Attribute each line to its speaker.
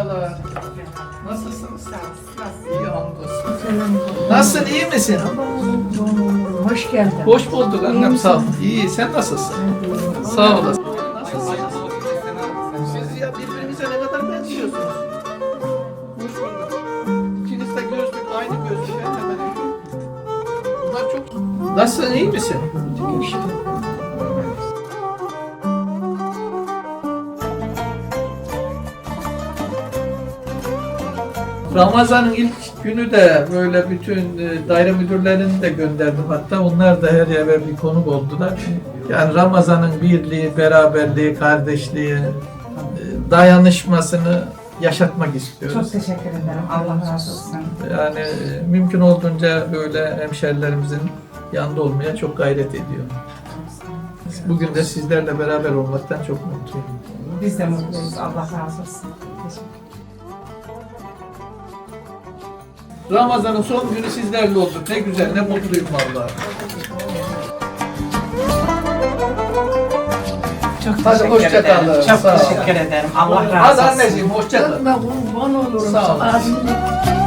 Speaker 1: merhabalar. Nasılsınız? İyi hamdolsun. Nasılsın, iyi misin?
Speaker 2: Hoş geldin.
Speaker 1: Hoş bulduk annem, sağ ol. İyi, sen nasılsın? Sağ olasın. Nasılsınız? Siz ya birbirinize ne kadar benziyorsunuz? Hoş bulduk. İkiniz de gözlük, aynı gözlük. Hemen hemen. Bunlar çok... Nasılsın, iyi misin? Ramazan'ın ilk günü de böyle bütün daire müdürlerini de gönderdim. Hatta onlar da her yere bir konuk oldular. Yani Ramazan'ın birliği, beraberliği, kardeşliği, dayanışmasını yaşatmak istiyoruz.
Speaker 2: Çok teşekkür ederim. Allah razı olsun.
Speaker 1: Yani mümkün olduğunca böyle hemşerilerimizin yanında olmaya çok gayret ediyor. Bugün de sizlerle beraber olmaktan çok mutluyum.
Speaker 2: Biz de mutluyuz. Allah razı olsun. Teşekkür.
Speaker 1: Ramazan'ın son günü sizlerle olduk. Ne güzel, ne mutluyum vallahi.
Speaker 2: Çok
Speaker 1: Hadi
Speaker 2: teşekkür
Speaker 1: hoşça
Speaker 2: ederim.
Speaker 1: kalın.
Speaker 2: Çok
Speaker 1: Sağ ol.
Speaker 2: teşekkür ederim. Allah razı olsun.
Speaker 1: Hadi anneciğim, hoşça kal.
Speaker 3: Ben kurban olurum.
Speaker 1: Sağ ol.
Speaker 3: Ağzını